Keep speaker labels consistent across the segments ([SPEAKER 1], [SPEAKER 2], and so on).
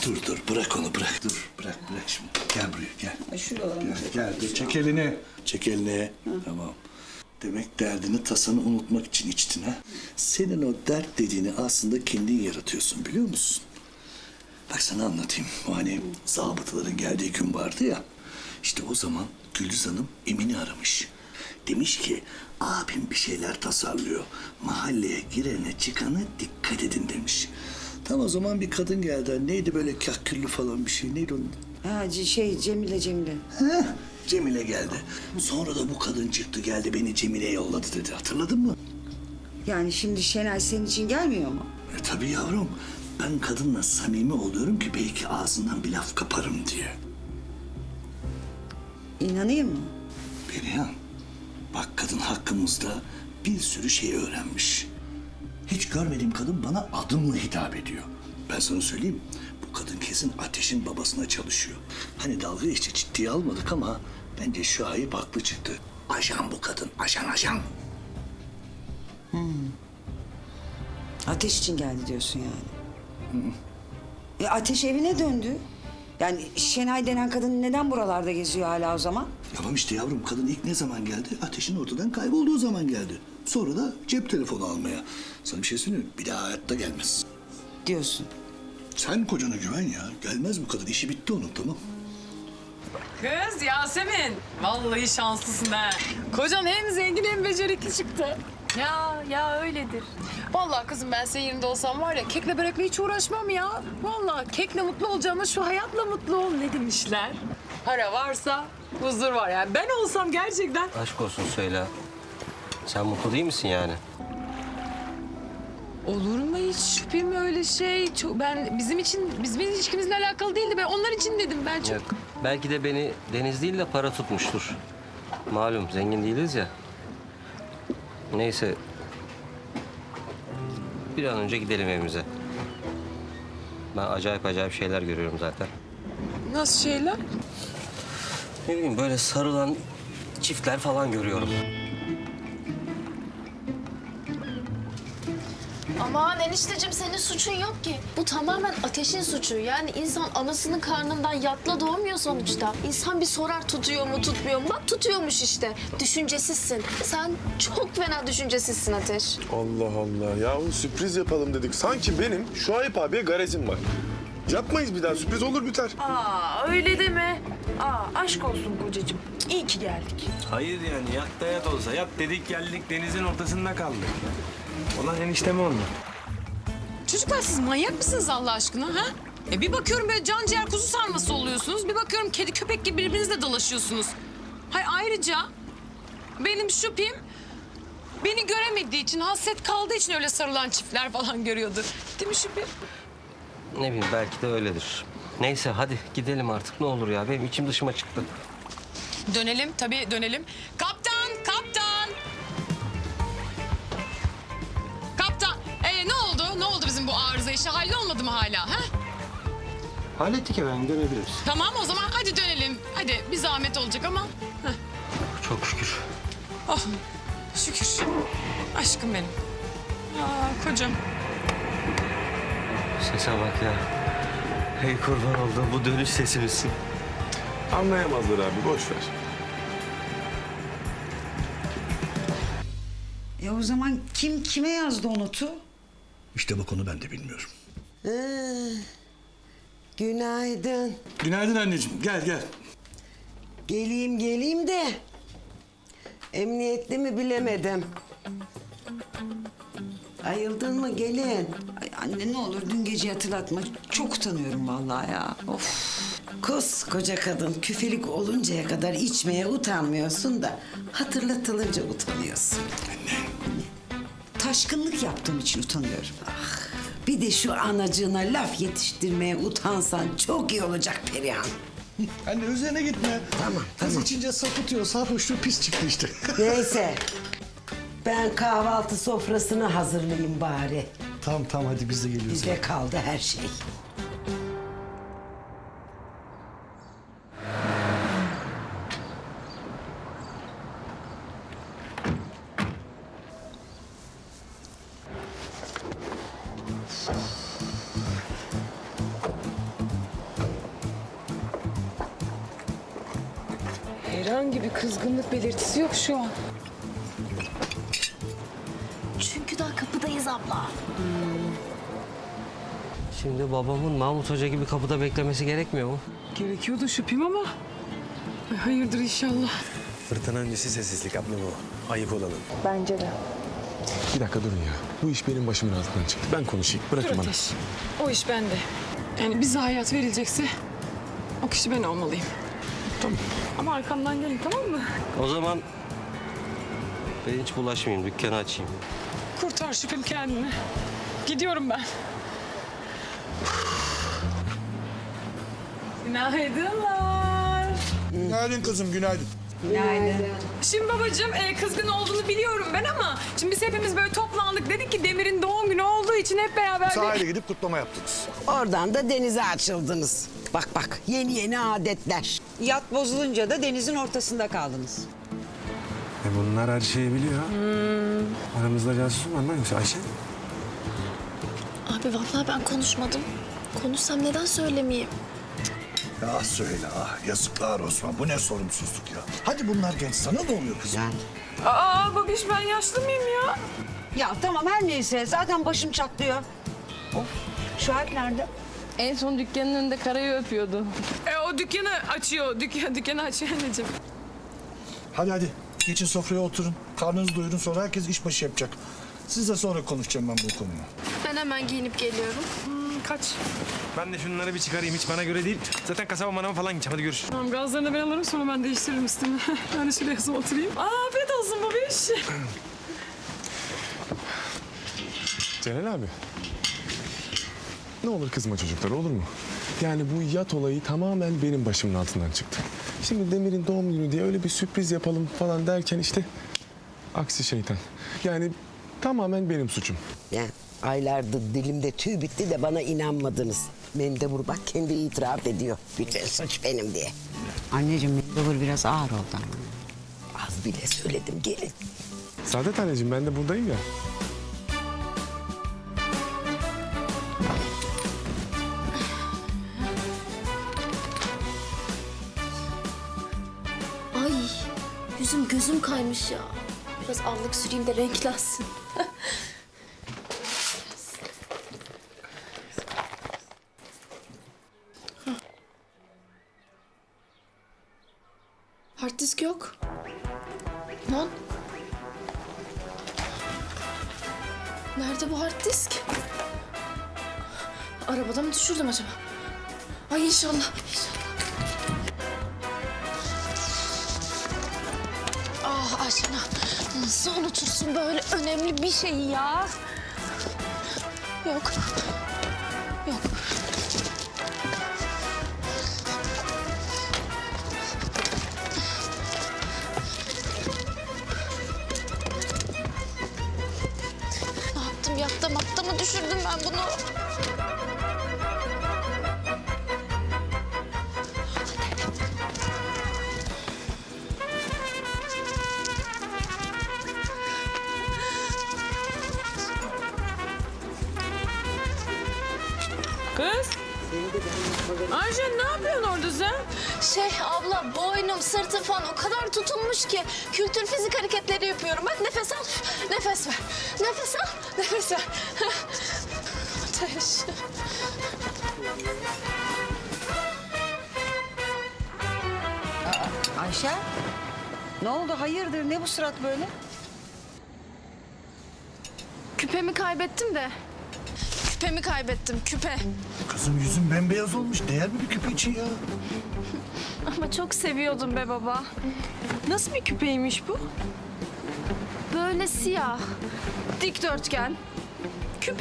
[SPEAKER 1] Dur bırak onu bırak. Dur bırak şimdi. Gel buraya gel.
[SPEAKER 2] Şuralarını
[SPEAKER 1] Gel dur çek elini. Çek elini. Tamam. Demek derdini tasanı unutmak için içtin ha. Senin o dert dediğini aslında kendin yaratıyorsun biliyor musun? Bak sana anlatayım. O hani zabıtaların geldiği gün vardı ya. İşte o zaman Güldüz Hanım Emin'i aramış. Demiş ki abim bir şeyler tasarlıyor. Mahalleye girene çıkana dikkat edin demiş. Tam o zaman bir kadın geldi. Neydi böyle kahküllü falan bir şey. Neydi onun?
[SPEAKER 2] Ha, Cemile.
[SPEAKER 1] Heh, Cemile geldi. Sonra da bu kadın çıktı geldi beni Cemile'ye yolladı dedi. Hatırladın mı?
[SPEAKER 2] Yani şimdi Şenay senin için gelmiyor mu?
[SPEAKER 1] Tabii yavrum. Ben kadınla samimi oluyorum ki belki ağzından bir laf kaparım diye.
[SPEAKER 2] İnanayım mı?
[SPEAKER 1] Perihan, bak kadın hakkımızda bir sürü şey öğrenmiş. Hiç görmediğim kadın bana adımla hitap ediyor. Ben sana söyleyeyim, bu kadın kesin Ateş'in babasına çalışıyor. Hani dalga işte ciddiye almadık ama bence Şahip haklı çıktı. Ajan bu kadın, ajan.
[SPEAKER 2] Ateş için geldi diyorsun yani. Ateş evine döndü. Yani Şenay denen kadın neden buralarda geziyor hala o zaman?
[SPEAKER 1] Tamam işte yavrum, kadın ilk ne zaman geldi? Ateş'in ortadan kaybolduğu zaman geldi. Sonra da cep telefonu almaya. Sana bir şey söyleyeyim mi? Bir daha hayatta gelmez.
[SPEAKER 2] Diyorsun.
[SPEAKER 1] Sen kocana güven ya. Gelmez bu kadın. İşi bitti onun, tamam.
[SPEAKER 3] Kız Yasemin, vallahi şanslısın ha. Kocan hem zengin hem becerikli çıktı. Ya öyledir. Vallahi kızım ben senin yerinde olsam var ya kekle börekle hiç uğraşmam ya. Vallahi kekle mutlu olacağıma şu hayatla mutlu ol ne demişler. Para varsa huzur var yani. Ben olsam gerçekten...
[SPEAKER 4] Aşk olsun söyle. Sen mutlu değil misin yani?
[SPEAKER 3] Olur mu hiç şüphem öyle şey? Ben bizim ilişkimizle alakalı değildi. Ben onlar için dedim ben çok.
[SPEAKER 4] Yok. Belki de beni deniz değil de para tutmuştur. Malum zengin değiliz ya. Neyse. Bir an önce gidelim evimize. Ben acayip şeyler görüyorum zaten.
[SPEAKER 3] Nasıl şeyler?
[SPEAKER 4] Ne bileyim böyle sarılan çiftler falan görüyorum.
[SPEAKER 5] Aman enişteciğim senin suçun yok ki. Bu tamamen Ateş'in suçu. Yani insan anasının karnından yatla doğmuyor sonuçta. İnsan bir sorar tutuyor mu tutmuyor mu? Bak tutuyormuş işte. Düşüncesizsin. Sen çok fena düşüncesizsin Ateş.
[SPEAKER 6] Allah Allah. Yahu sürpriz yapalım dedik. Sanki benim Şuayb abiye garezim var. Yapmayız bir daha. Sürpriz olur biter.
[SPEAKER 3] Aa öyle deme. Aşk olsun kocacığım. İyi ki geldik.
[SPEAKER 7] Hayır yani yat da yat olsa. Yat dedik geldik denizin ortasında kaldık. Ulan enişteme oldu.
[SPEAKER 3] Çocuklar siz manyak mısınız Allah aşkına ha? Bir bakıyorum böyle can ciğer kuzu sarması oluyorsunuz. Bir bakıyorum kedi köpek gibi birbirinizle dalaşıyorsunuz. Ayrıca benim şüphem beni göremediği için, hasret kaldığı için öyle sarılan çiftler falan görüyordur. Değil mi şüphem?
[SPEAKER 4] Ne bileyim belki de öyledir. Neyse hadi gidelim artık ne olur ya. Benim içim dışıma çıktı.
[SPEAKER 3] Dönelim tabii dönelim. Kaptan! Kaptan! Ne oldu? Ne oldu bizim bu arıza işi? Hallolmadı mı hala? Ha?
[SPEAKER 7] Hallettik efendim dönebiliriz.
[SPEAKER 3] Tamam o zaman hadi dönelim. Hadi bir zahmet olacak ama. Heh.
[SPEAKER 4] Çok şükür.
[SPEAKER 3] Oh şükür. Aşkım benim. Kocam.
[SPEAKER 4] Sese bak ya. Hey kurban olduğum bu dönüş sesi misin?
[SPEAKER 6] Anlayamazlar abi. Boş ver.
[SPEAKER 2] O zaman kim kime yazdı o notu?
[SPEAKER 1] İşte bak onu ben de bilmiyorum.
[SPEAKER 8] Günaydın.
[SPEAKER 1] Günaydın anneciğim. Gel.
[SPEAKER 8] Geleyim de emniyetli mi bilemedim. Ayıldın mı gelin?
[SPEAKER 2] Ay anne ne olur dün gece hatırlatma. Çok utanıyorum vallahi ya. Of.
[SPEAKER 8] Koskoca kadın küfelik oluncaya kadar içmeye utanmıyorsun da hatırlatılınca utanıyorsun.
[SPEAKER 2] Taşkınlık yaptığım için utanıyorum.
[SPEAKER 8] Bir de şu anacığına laf yetiştirmeye utansan çok iyi olacak Perihan.
[SPEAKER 1] Anne üzerine gitme.
[SPEAKER 8] Tamam,
[SPEAKER 1] Kız
[SPEAKER 8] tamam.
[SPEAKER 1] içince sapıtıyor. Sarhoşluğu pis çıktı işte.
[SPEAKER 8] Neyse ben kahvaltı sofrasını hazırlayayım bari.
[SPEAKER 1] Tamam hadi biz de geliyoruz.
[SPEAKER 8] Bize kaldı her şey.
[SPEAKER 3] Herhangi bir kızgınlık belirtisi yok şu an.
[SPEAKER 5] Çünkü daha kapıdayız abla.
[SPEAKER 4] Şimdi babamın Mahmut Hoca gibi kapıda beklemesi gerekmiyor mu?
[SPEAKER 3] Gerekiyordu şüphem ama. Ay, hayırdır inşallah.
[SPEAKER 7] Fırtına öncesi sessizlik abla bu. Ayıp olalım.
[SPEAKER 3] Bence de.
[SPEAKER 6] Bir dakika durun ya. Bu iş benim başımın altından çıktı. Ben konuşayım.
[SPEAKER 3] Dur
[SPEAKER 6] Bırakın bana.
[SPEAKER 3] Ateş. O iş bende. Yani bize hayat verilecekse o kişi ben olmalıyım.
[SPEAKER 6] Tamam.
[SPEAKER 3] Ama arkamdan gelin, tamam mı?
[SPEAKER 4] O zaman ben hiç bulaşmayayım, dükkanı açayım.
[SPEAKER 3] Kurtar şüphem kendini. Gidiyorum ben. Günaydınlar.
[SPEAKER 1] Günaydın kızım, günaydın.
[SPEAKER 3] Şimdi babacığım kızgın olduğunu biliyorum ben ama şimdi biz hepimiz böyle toplandık. Dedik ki Demir'in doğum günü olduğu için hep beraber...
[SPEAKER 1] Sahile gidip kutlama yaptınız.
[SPEAKER 8] Oradan da denize açıldınız. Bak bak yeni adetler.
[SPEAKER 2] Yat bozulunca da denizin ortasında kaldınız.
[SPEAKER 7] Bunlar her şeyi biliyor. Aramızda casus var mı yoksa Ayşe?
[SPEAKER 5] Abi vallahi ben konuşmadım. Konuşsam neden söylemeyeyim?
[SPEAKER 1] Ah söyle ah, yazıklar Osman. Bu ne sorumsuzluk ya. Hadi bunlar genç, sana ne oluyor kızım?
[SPEAKER 8] Yani
[SPEAKER 3] Aa babiş ben yaşlı mıyım ya?
[SPEAKER 2] Ya tamam her neyse zaten başım çatlıyor. Of, Şahit nerede?
[SPEAKER 9] En son dükkanın önünde Kara'yı öpüyordu.
[SPEAKER 3] O dükkanı açıyor. Dükkanı açıyor anneciğim.
[SPEAKER 1] Hadi hadi, geçin sofraya oturun. Karnınızı doyurun, sonra herkes işbaşı yapacak. Sizle sonra konuşacağım ben bu konuyu.
[SPEAKER 5] Ben hemen giyinip geliyorum.
[SPEAKER 3] Kaç.
[SPEAKER 7] Ben de şunları bir çıkarayım. Hiç bana göre değil. Zaten kasaba manava falan gideceğim. Hadi görüşürüz.
[SPEAKER 3] Tamam gazlarını ben alırım sonra ben değiştiririm üstümü. Ben de şuraya yazıp oturayım. Afiyet olsun babiş.
[SPEAKER 6] Celal abi. Ne olur kızma çocuklar, olur mu? Yani bu yat olayı tamamen benim başımın altından çıktı. Şimdi Demir'in doğum günü diye öyle bir sürpriz yapalım falan derken işte... Aksi şeytan. Yani tamamen benim suçum.
[SPEAKER 8] ya aylardır dilimde tüy bitti de bana inanmadınız. Mendebur bak kendi itiraf ediyor. Bütün suç benim diye.
[SPEAKER 2] Anneciğim mendebur biraz ağır oldu ama.
[SPEAKER 8] Az bile söyledim gelin.
[SPEAKER 6] Saadet anneciğim, ben de buradayım ya.
[SPEAKER 5] Ay yüzüm gözüm kaymış ya. Biraz allık süreyim de renklensin. Hard disk yok. Lan. Nerede bu hard disk? Arabada mı düşürdüm acaba? Ay inşallah. İnşallah. Ah Ayşena, nasıl unutursun böyle önemli bir şeyi ya? Yok. Yok. Ne yaptım? Yatta mı düşürdüm ben bunu?
[SPEAKER 3] Kız. Ayşe ne yapıyorsun orada sen?
[SPEAKER 5] Abla boynum sırtım falan o kadar tutulmuş ki kültür fizik hareketleri yapıyorum. Bak nefes al, nefes ver. Nefes al, nefes ver. Ateş.
[SPEAKER 2] Ayşe? Ne oldu hayırdır ne bu surat böyle?
[SPEAKER 5] Küpemi kaybettim de. Küpemi kaybettim, küpe.
[SPEAKER 1] Kızım yüzün bembeyaz olmuş. Değer mi bir küpe için ya?
[SPEAKER 5] Ama çok seviyordum be baba.
[SPEAKER 9] Nasıl bir küpeymiş bu?
[SPEAKER 5] Böyle siyah, dikdörtgen, küpe.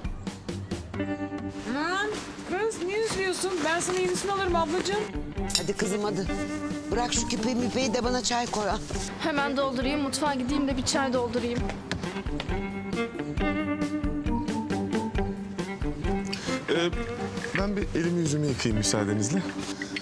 [SPEAKER 3] Lan kız niye üzülüyorsun? Ben sana yenisini alırım ablacığım.
[SPEAKER 8] Hadi kızım hadi. Bırak şu küpe müpeyi de bana çay koy. al.
[SPEAKER 5] Hemen doldurayım, mutfağa gideyim de bir çay doldurayım.
[SPEAKER 6] Ben bir elimi yüzümü yıkayayım müsaadenizle.